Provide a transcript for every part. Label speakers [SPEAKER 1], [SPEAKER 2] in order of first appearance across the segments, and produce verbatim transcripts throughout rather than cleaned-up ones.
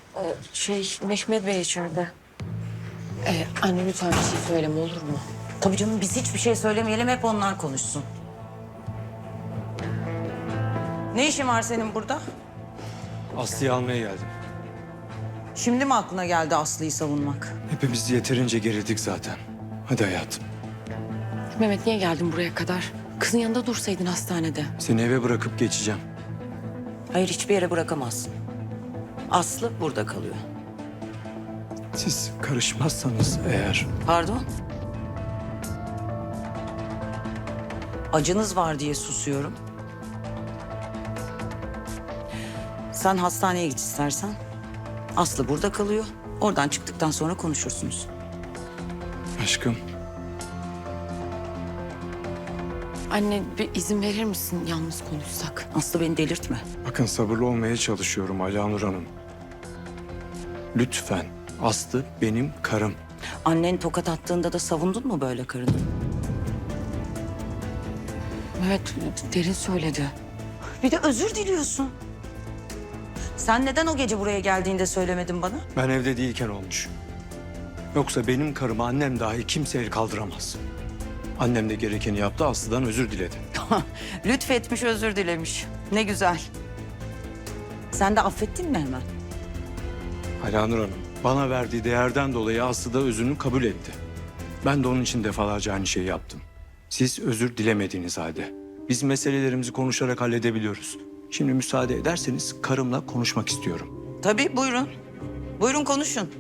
[SPEAKER 1] Ee, şey, Mehmet Bey içeride. Ee, anne lütfen bir şey söyleme olur mu?
[SPEAKER 2] Tabii canım biz hiçbir şey söylemeyelim, hep onlar konuşsun. Ne işin var senin burada?
[SPEAKER 3] Aslı'yı almaya geldim.
[SPEAKER 2] Şimdi mi aklına geldi Aslı'yı savunmak?
[SPEAKER 3] Hepimiz yeterince gerildik zaten. Hadi hayatım.
[SPEAKER 1] Mehmet niye geldin buraya kadar? Kızın yanında dursaydın hastanede.
[SPEAKER 3] Seni eve bırakıp geçeceğim.
[SPEAKER 2] Hayır, hiçbir yere bırakamazsın. Aslı burada kalıyor.
[SPEAKER 3] Siz karışmazsanız eğer...
[SPEAKER 2] Pardon? Acınız var diye susuyorum. Sen hastaneye git istersen. Aslı burada kalıyor. Oradan çıktıktan sonra konuşursunuz.
[SPEAKER 3] Aşkım,
[SPEAKER 1] Anne bir izin verir misin yalnız konuşsak?
[SPEAKER 2] Aslı beni delirtme.
[SPEAKER 3] bakın sabırlı olmaya çalışıyorum Alanur Hanım. Lütfen, Aslı benim karım.
[SPEAKER 2] Annen tokat attığında da savundun mu böyle karını?
[SPEAKER 1] Mehmet derin söyledi.
[SPEAKER 2] Bir de özür diliyorsun. Sen neden o gece buraya geldiğinde söylemedin bana?
[SPEAKER 3] Ben evde değilken olmuş. Yoksa benim karıma annem dahi kimse el kaldıramaz. Annem de gerekeni yaptı, Aslı'dan özür diledi.
[SPEAKER 2] Lütfetmiş, özür dilemiş. Ne güzel. Sen de affettin mi hemen?
[SPEAKER 3] Alanur Hanım, bana verdiği değerden dolayı Aslı da özrünü kabul etti. Ben de onun için defalarca aynı şeyi yaptım. Siz özür dilemediğiniz halde. Biz meselelerimizi konuşarak halledebiliyoruz. Şimdi müsaade ederseniz karımla konuşmak istiyorum.
[SPEAKER 2] Tabii, buyurun. Buyurun konuşun.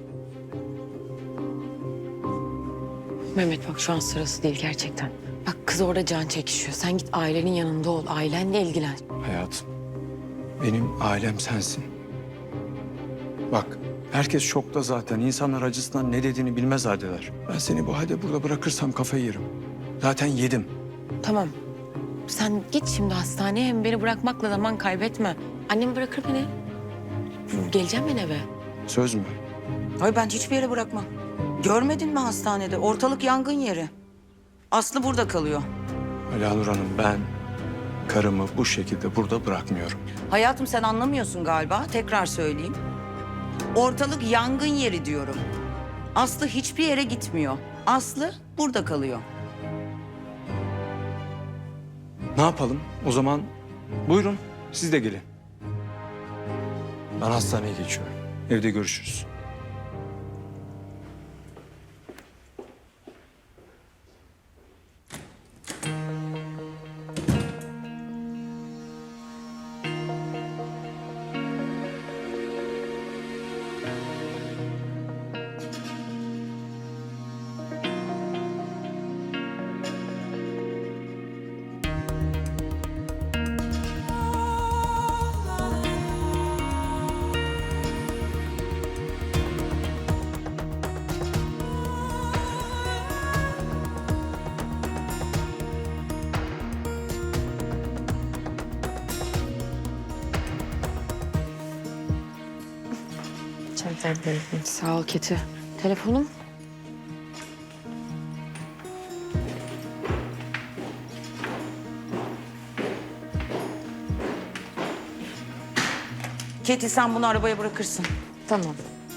[SPEAKER 1] Mehmet bak şu an sırası değil gerçekten. Bak kız orada can çekişiyor. Sen git ailenin yanında ol. Ailenle ilgilen.
[SPEAKER 3] Hayatım, benim ailem sensin. Bak, herkes şokta zaten. İnsanlar acısından ne dediğini bilmez haldeler. Ben seni bu halde burada bırakırsam kafayı yerim. Zaten yedim.
[SPEAKER 1] Tamam. Sen git şimdi hastaneye hem beni bırakmakla zaman kaybetme. Annem bırakır beni. Geleceğim ben eve.
[SPEAKER 3] Söz mü?
[SPEAKER 2] Hayır, ben hiçbir yere bırakmam. Görmedin mi hastanede? Ortalık yangın yeri. Aslı burada kalıyor.
[SPEAKER 3] Alanur Hanım, ben karımı bu şekilde burada bırakmıyorum.
[SPEAKER 2] Hayatım, sen anlamıyorsun galiba. Tekrar söyleyeyim. Ortalık yangın yeri diyorum. Aslı hiçbir yere gitmiyor. Aslı burada kalıyor.
[SPEAKER 3] Ne yapalım? O zaman buyurun, siz de gelin. Ben hastaneye geçiyorum. Evde görüşürüz.
[SPEAKER 1] Sağ ol Keti. Telefonum?
[SPEAKER 2] Keti, sen bunu arabaya bırakırsın.
[SPEAKER 1] Tamam.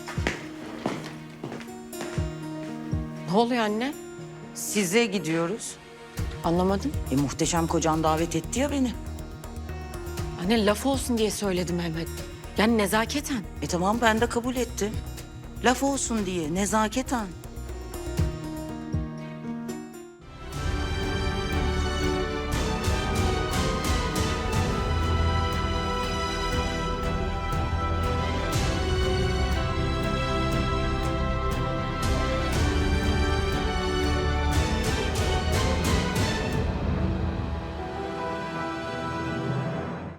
[SPEAKER 1] Ne oluyor anne?
[SPEAKER 2] Size gidiyoruz.
[SPEAKER 1] Anlamadım.
[SPEAKER 2] E, muhteşem kocan davet etti ya beni.
[SPEAKER 1] Anne laf olsun diye söyledim Mehmet. Yani nezaketen.
[SPEAKER 2] E tamam, ben de kabul ettim. Laf olsun diye, nezaketen.